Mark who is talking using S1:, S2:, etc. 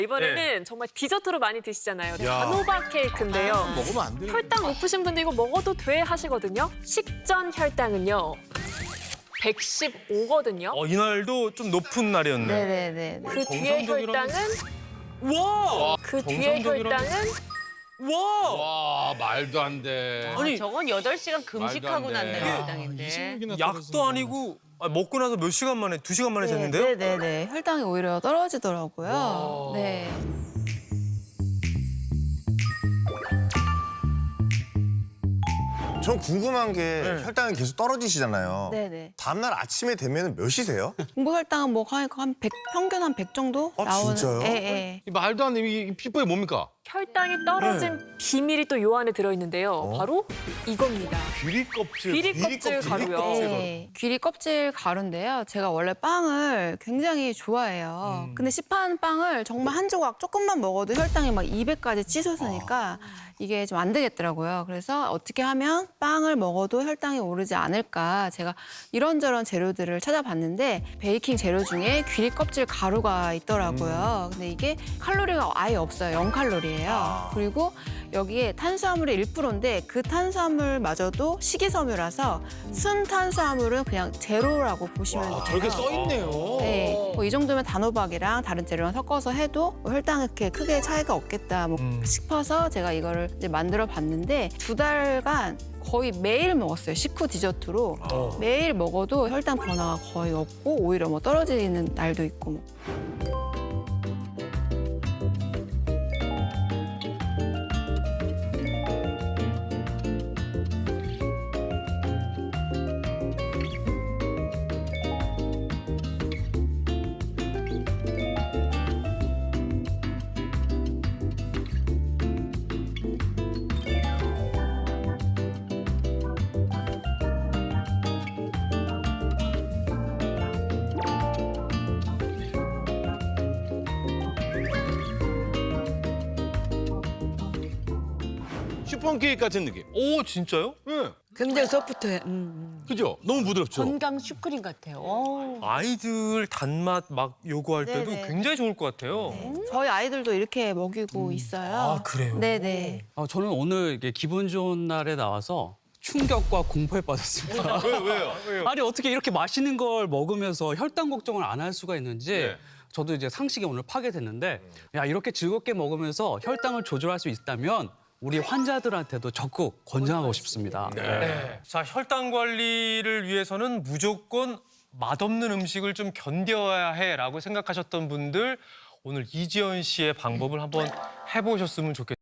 S1: 이번에는 정말 디저트로 많이 드시잖아요. 단호박 케이크인데요.
S2: 먹으면 안 돼.
S1: 혈당 높으신 분들 이거 먹어도 돼 하시거든요. 식전 혈당은요. 115거든요.
S3: 이날도 좀 높은 날이었네.
S4: 네네네.
S1: 그 뒤에 혈당은
S3: 와!
S1: 그 뒤에 혈당은
S3: 와!
S2: 와, 말도 안 돼.
S3: 아니,
S5: 저건 8시간 금식하고
S2: 말도 안
S5: 난
S2: 돼.
S5: 날 혈당인데.
S2: 26이나
S3: 약도 아니고 먹고 나서 몇 시간 만에, 2시간 만에 쟀는데요?
S4: 네네네. 혈당이 오히려 떨어지더라고요. 네.
S6: 전 궁금한 게 혈당이 계속 떨어지시잖아요.
S4: 네네.
S6: 다음날 아침에 되면 몇 시세요?
S4: 공복 혈당은 뭐 한 100, 평균 한 100 정도
S6: 아,
S4: 나오는.
S6: 진짜요?
S4: 예, 예.
S2: 이 말도 안 돼. 이 비법이 뭡니까?
S1: 혈당이 떨어진 비밀이 또 요 안에 들어있는데요. 바로 이겁니다.
S2: 귀리 껍질.
S1: 귀리 껍질 가루요.
S4: 네. 귀리 껍질 가루인데요. 제가 원래 빵을 굉장히 좋아해요. 근데 시판 빵을 정말 한 조각 조금만 먹어도 혈당이 막 200까지 치솟으니까 이게 좀 안 되겠더라고요. 그래서 어떻게 하면 빵을 먹어도 혈당이 오르지 않을까 제가 이런저런 재료들을 찾아봤는데 베이킹 재료 중에 귀리 껍질 가루가 있더라고요. 근데 이게 칼로리가 아예 없어요. 0칼로리예요. 그리고 여기에 탄수화물이 1%인데 그 탄수화물마저도 식이섬유라서 순 탄수화물은 그냥 제로라고 보시면 돼요.
S2: 저렇게 써 있네요.
S4: 네, 뭐 이 정도면 단호박이랑 다른 재료랑 섞어서 해도 뭐 혈당 이렇게 크게 차이가 없겠다 싶어서 제가 이거를 이제 만들어 봤는데 2달간 거의 매일 먹었어요. 식후 디저트로. 매일 먹어도 혈당 변화가 거의 없고 오히려 뭐 떨어지는 날도 있고 뭐.
S2: 슈폰 케이크 같은 느낌.
S3: 오, 진짜요?
S2: 예.
S5: 굉장히 소프트해.
S2: 그죠? 너무 부드럽죠?
S5: 건강 슈크림 같아요.
S3: 아이들 단맛 막 요구할 때도
S4: 네네.
S3: 굉장히 좋을 것 같아요.
S4: 저희 아이들도 이렇게 먹이고 있어요.
S3: 아, 그래요?
S4: 네네.
S7: 저는 오늘 이게 기분 좋은 날에 나와서 충격과 공포에 빠졌습니다.
S2: 왜요?
S7: 아니 어떻게 이렇게 맛있는 걸 먹으면서 혈당 걱정을 안 할 수가 있는지
S2: 네.
S7: 저도 이제 상식에 오늘 파괴됐는데 야 이렇게 즐겁게 먹으면서 혈당을 조절할 수 있다면 우리 환자들한테도 적극 권장하고 싶습니다.
S3: 네. 자, 혈당 관리를 위해서는 무조건 맛없는 음식을 좀 견뎌야 해라고 생각하셨던 분들 오늘 이지연 씨의 방법을 한번 해보셨으면 좋겠습니다.